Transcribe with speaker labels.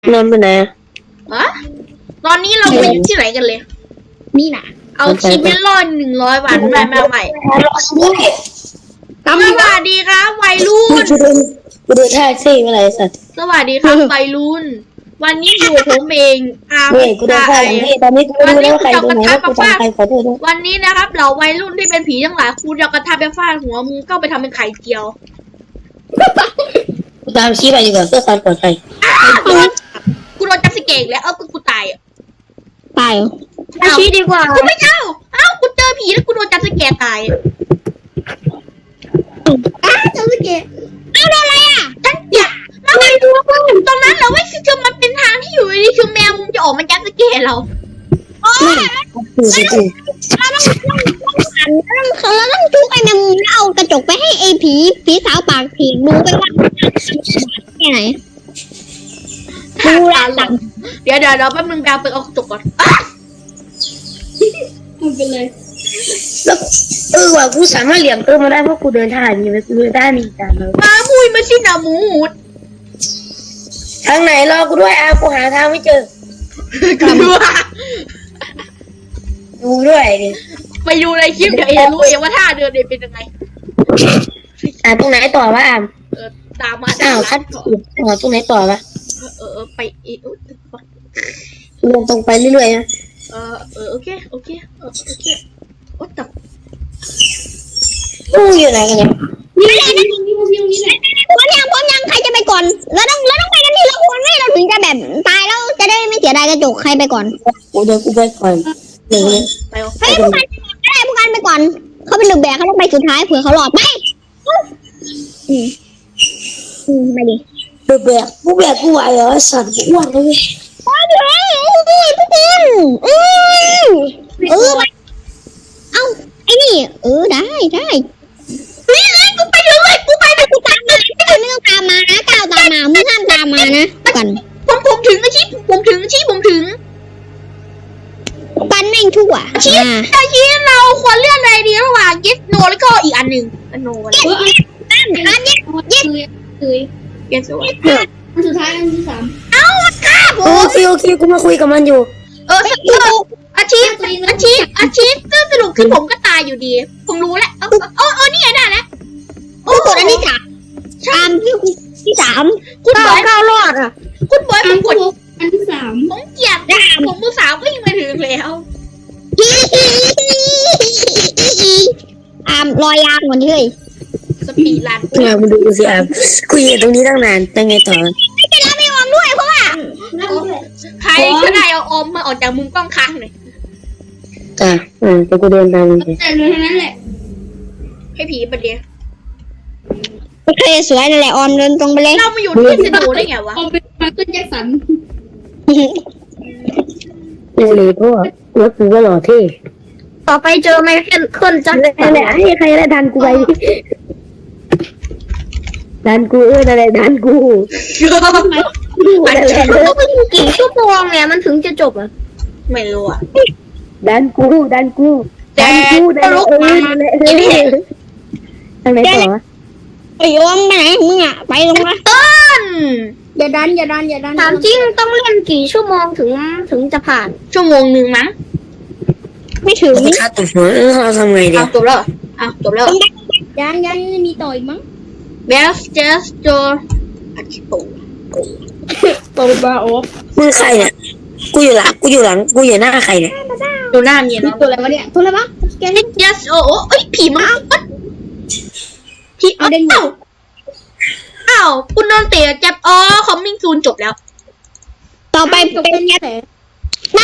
Speaker 1: นอนไปไหน
Speaker 2: อะตอนนี้เราไปอยู่ที่ไหนกันเลย
Speaker 3: นี่นะ
Speaker 2: เอาชีวิตรอด100 วันมาใหม่สวัสดีครับวัยรุ่น
Speaker 1: กูดูท่าซี่อะไรสัตว์
Speaker 2: สวัสดีครับวัยรุ่นวันนี้อยู่ผมเอง
Speaker 1: เว้ยกูดูท่าอย่างนี้ตอนนี้กูรู้แล้วว่าใครตรงไหนว่ากูจำใครขอโทษด้วย
Speaker 2: วันนี้นะครับเราวัยรุ่นที่เป็นผีทั้งหลายครูจะกระทำไปฟาดหัวมึงก็ไปทำเป็นไข่เจียว
Speaker 1: กูตามชี้ไปดีกว่าเพื่อความปลอดภัย
Speaker 2: กูโดนจับสเกกแล้วกูตาย
Speaker 3: ตายชี้ดีกว่า
Speaker 2: กูไม่กูเจอผีแล้วกูโดนจับสเกกตาย
Speaker 3: จับสเกกโดนอะไร
Speaker 2: ฉันอยากแล้วมันตรงนั้นเราไม่คือมันเป็นทางที่อยู่ดีคือแมวมึงจะออกมาจับสเกกเรา
Speaker 3: เราต้องจุกไอ้แมงมุมเอากระจกไปให้ไอ้ผีสาวปากผีดูไปว่าแค่ไหนดูแลสั่ง
Speaker 2: เดี๋ยวแป๊บนึงแปลไปเอากระจกก่อน
Speaker 3: มันเป็นเลย
Speaker 1: แล้วว่ะกูสามารถเหลี่ยมมาได้เพราะกูเดินท่าอย่างนี้ไปกูเดินได้มีตาม
Speaker 2: มามุยมาสินะมูด
Speaker 1: ทางไหนรอกูด้วยกูหาทางไม่เจอดูด้วยดิ
Speaker 2: ไปดูในคลิปเดี๋ยวจะรู้เองว่าท่าเดินเป็นยังไง
Speaker 1: ตรงไหนต่อวะ
Speaker 2: ตามมา
Speaker 1: คัดตรงไหนต่อวะ
Speaker 2: ไป
Speaker 1: ลงตรงไปเรื่อยๆนะ
Speaker 2: โอเคโอ้ตับ
Speaker 1: อยู่ไหนกันเนี่ย
Speaker 3: นี่แหละนี่แหละพร้อมยังใครจะไปก่อนเราต้องไปกันนี่เราควรไม่เราถึงจะแบบตายแล้วจะได้ไม่เสียดายกระจกใครไปก่อน
Speaker 1: กูไปก่อนหนึ่ง
Speaker 3: ไปให้พวกกันไปก่อนเขาเป็นหนึ่งแบกเขาต้องไปสุดท้ายเผื่อเขาหลอดไปไปดิ
Speaker 1: แบกกูไหวเหรอสัตว์กูอ้วนเลย
Speaker 3: โอ้ยพี่ตินเอาไอ้นี่ได้
Speaker 2: นี่เลยกูไปเลยกูตามมา
Speaker 3: ไม่ต้องตามมานะก้าวตามมามึงห้ามตามมานะก่อน
Speaker 2: ผมถึงผมถึง
Speaker 3: ปันแม่งชั่ว
Speaker 2: ชี้เราควรเลือกอะไรดีระหว่าง yes no แล้วก็อีกอันหนึ่งno
Speaker 3: yes
Speaker 2: สุดท้ายอันที่3
Speaker 1: ครับโอเคกูมาคุยกับมันอยู่
Speaker 2: อาชีพสรุปคือผมก็ตายอยู่ดีผมรู้แล้วนี่ไงได้แล้ว
Speaker 3: กดอันที่3ที่3
Speaker 2: คุณบอย
Speaker 3: ก้าวรอด
Speaker 2: คุณบอยผมกด
Speaker 3: อันที่3
Speaker 2: ผมเกลียดผมมือ3ก็ยังไม่ถึงแล้ว
Speaker 3: รอยยางหมดเลย
Speaker 2: สปีดรัน
Speaker 1: มึงดูสิกูอยู่ตรงนี้ตั้งนานยังไงต่อ
Speaker 3: ไม่ได้ไม่ออมด้วยเพราะว่า
Speaker 2: ใครก็ได้เอาออมมาออกจากมุมกล้องค้างหน่อย
Speaker 1: แต่กูเดินตามมึง
Speaker 3: แต่เลยทั้งนั้นแหละ
Speaker 2: ให้ผีประเดี๋ยว
Speaker 3: โอเคสวยนั่นแหละออมเดินตรงไปเลย
Speaker 2: เรามาอยู่ที่สตูได้ไงวะ
Speaker 3: ออมเป็นมาร์เก็ตแจ็คสัน
Speaker 1: เลยเพราะว่ากูก็หล่อเท่
Speaker 3: ต่อไปเจอไมเคิลจัด
Speaker 1: แหละให้ใครได้ดันกูไปดันกูอะไรดันกู
Speaker 3: กี่ชั่วโมงเนี่ยมันถึงจะจบอ่ะ
Speaker 2: ไม่รู้อ่ะ
Speaker 1: ดันกูทางไหนต่อ
Speaker 3: ไอ้ออมไปไหนมึงอ่ะไปลงมาอย่าดันถามจริงต้องเล่นกี่ชั่วโมงถึงจะผ่าน
Speaker 2: ชั่วโมงนึงมั้ง
Speaker 3: ไม่ถึง
Speaker 1: ค่าตัวหัวเราทำไงดี
Speaker 2: จบแล้ว
Speaker 3: ยังมีต่ออีกมั้ง
Speaker 2: Best just do
Speaker 3: โตบาโอ
Speaker 1: มึงใครเนี่ยกูอยู่หลังกูอยู่หน้าใครเนี่ย
Speaker 2: ดูหน้าเมียนะ
Speaker 3: ตัวอะไรวะเนี่ยตัวอะไรวะ
Speaker 2: แกนี่ just ผีมาผีอ้าวคุณโดนเตะจับcoming soon จบแล้ว
Speaker 3: ต่อไปเป็นแค่